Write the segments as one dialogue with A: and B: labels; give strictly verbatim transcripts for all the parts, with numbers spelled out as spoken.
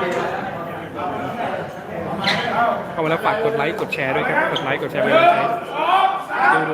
A: เข้ามาแล้วฝากกดไลค์กดแชร์ด้วยครับกดไลค์กดแชร์ไปเลยดูดู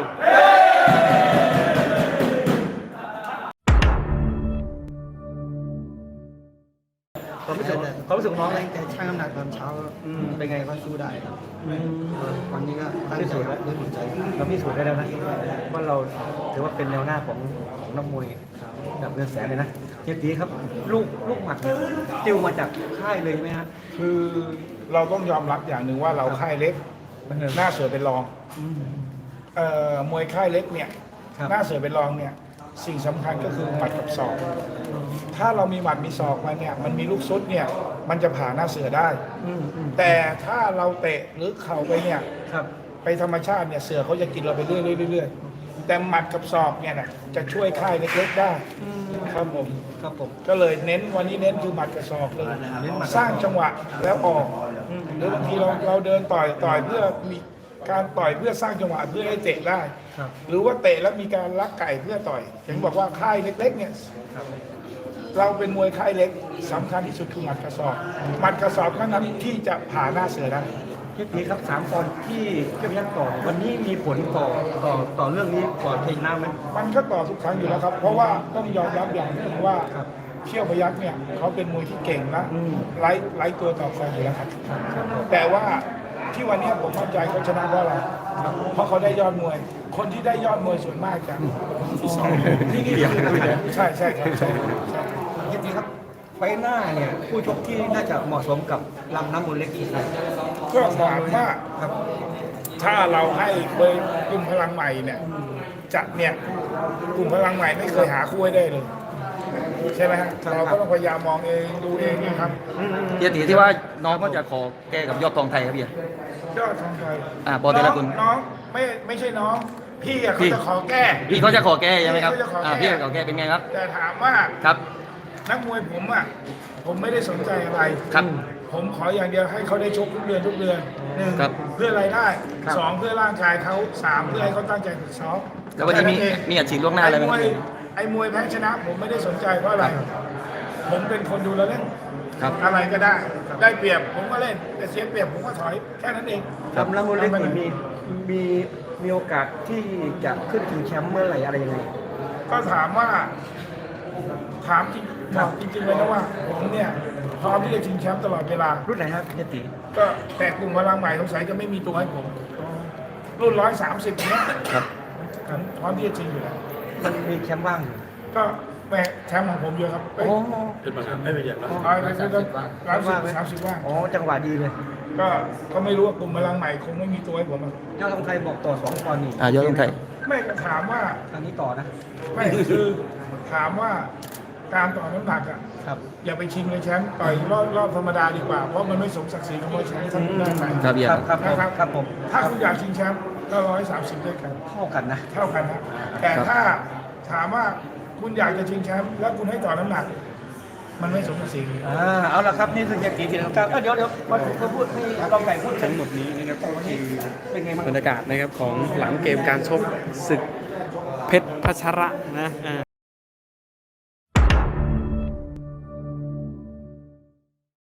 B: ความรู้สึกความรู้สึกของน้องเลยแต่ช่างน้ำหนักตอนเช้าเป็นไงก็สู้ได้ครับวันนี้ก็ตั้งใจแล้วด้วยหัวใจเราพิสูจน์ได้แล้วนะว่าเราถือว่าเป็นแนวหน้าของของนักมวยดับเงินแสนเลยนะเฮียตีครับลูกลูกหมัดติวมาจากค่ายเลยไหมฮะ
C: คือเราต้องยอมรับอย่างหนึ่งว่าเราค่ายเล็กหน้าเสือเป็นรองเอ่อมวยค่ายเล็กเนี่ยหน้าเสือเป็นรองเนี่ยสิ่งสำคัญก็คือหมัดกับศอกถ้าเรามีหมัดมีศอกมาเนี่ยมันมีลูกซุดเนี่ยมันจะผ่าหน้าเสือได้แต่ถ้าเราเตะหรือเข่าไปเนี่ยไปธรรมชาติเนี่ยเสือเขาจะกินเราไปเรื่อยๆเรื่อยๆแต่หมัดกับศอกเนี่ยนะจะช่วยค่ายเล็กๆได้ครับผมครับผมก็เลยเน้นวันนี้เน้นคือหมัดกับศอกเลยสร้างจังหวะแล้วออกหรือบางทีเราเราเดินต่อยต่อยเพื่อมีการต่อยเพื่อสร้างจังหวะเพื่อให้เตะได้หรือว่าเตะแล้วมีการลักไก่เพื่อต่อยอย่างบอกว่าค่ายเล็กๆเนี่ยเราเป็นมวยค่ายเล็กสำคัญที่สุดคือหมัดกระสอบหมัดกระสอบเท่านั้นที่จะผ่าหน้าเสือได้
B: พี่ตีครับสามตอนที่เกี่ยวกับต่อวันนี้มีผลต่อต่อต่อเรื่องนี้ก่อนเพลงน้ำไหม
C: มันก็ต่อทุกครั้งอยู่แล้วครับเพราะว่าต้องยอมรับอย่างหนึงว่าเขี้ยวพยัคฆ์เนี่ยเขาเป็นมวยที่เก่งนะไล่ไล่ตัวต่อใครอยู่แล้วครับแต่ว่าที่วันนี้ผมมั่นใจเขาชนะเพราะอะไรเพราะเขาได้ยอดมวยคนที่ได้ยอดมวยส่วนมากจากนี่นี่ใช่ใช่ครับใช่
B: จริงๆครับไฟหน้าเนี่ยผู้ชกที่น่าจะเหมาะสมกับลำน้ำมูลเล็กที่สุด
C: ก็ถามว่าถ้าเราให้เบอร์กลุ่มพลังใหม่เนี่ยจัดเนี่ยกลุ่มพลังใหม่ไม่เคยหาคู่ให้ได้เลยใช่ไหมฮะเราก็ต้องพยายามมองเองดูเองนะครับ
D: เฮียตีที่ว่าน้องก็จะขอแก้กับยอดทองไทยครับพี่
C: ยอดทองไทย
D: อ่าบอลเตละคุณ
C: น้องไม่ไม่ใช่น้องพี่เขาจะขอแก้
D: พี่เขาจะขอแก้ใช่ไหมครับอ่าพี่ขอแก้เป็นไงครับ
C: แต่ถามว่า
D: ครับ
C: นักมวยผมอ่ะผมไม่ได้สนใจอะไร
D: ครับ
C: ผมขออย่างเดียวให้เขาได้ชกทุกเดือนทุกเดือนหนึ่งเพื่อรายได้สองเพื่อร่างกายเขาสามเพื่อให้เขาตั้งใจฝึกซ้อม
D: แล้ววันนี้มีมีอัดฉีดล่วงหน้าอะไรไหม
C: ไอ้มวยแพ้ชนะผมไม่ได้สนใจเพราะอะไรผมเป็นคนดูแลเล่นอะไรก็ได้ได้เปรียบผมก็เล่นแต่เสียเปรียบผมก็ถอยแค่นั้นเอง
B: ลำน้ำมูลเล็กมีมีมีโอกาสที่จะขึ้นถึงแชมป์เมื่อไหร่อะไรยังไง
C: ก็ถามว่าถามจริงบอกจริงๆเลยนะว่าผมเนี่ยพร้อมที่จะชิงแชมป์ตลอดเวลา
B: รุ่นไหนครับเฮียตี
C: ก็แต่กลุ่มพลังใหม่สงสัยจะไม่มีตัวให้ผมรุ่นร้อยสามสิบเนี้ยครับพร้อมที่จะชิงอยู่แล้ว
B: มันมีแชมป์ว่าง
C: ก็แม่แชมป์ของผมเยอะครับ
B: โอ้
C: เป็นมาไม่เป็นอย่างนั้นร้อยร้อยสามสิบว่าง
B: อ๋อจังหวะดีเลย
C: ก็ก็ไม่รู้ว่ากลุ่มพลังใหม่คงไม่มีตัวให้ผม
B: ยอดทองไทยบอกต่อสองปอนด์นี่
D: อ่ายอดทองไทย
C: ไม่ถามว่า
B: ทางนี้ต่อนะ
C: ไม่คือถามว่าการต่อน้ำหนักอ่ะอย่าไปชิงเลยแชมป์ต่อยรอบรอบธรรมดาดีกว่าเพราะมันไม่สมศักดิ์ศรีของมวยแชมป์ทั้งได้ไป
D: ครับ
B: ครับครับครับผม
C: ถ้าคุณอยากชิงแชมป์ก็ร้อยสามสิบด้วยกัน
B: เท่ากันนะ
C: เท่ากันนะแต่ถ้าถามว่าคุณอยากจะชิงแชมป์แล้วคุณให้ต่อน้ำหนักมันไม่สมศักดิ์ศรี
B: อ่าเอาละครับนี่คือเฮียตีทีนะครับเดี๋ยวเดี๋ยวมาพูดให้ลองไก่พูด
A: ทั้งหมดนี้นะครับคือบรรยากาศนะครับของหลังเกมการชกศึกเพชรพัชระนะ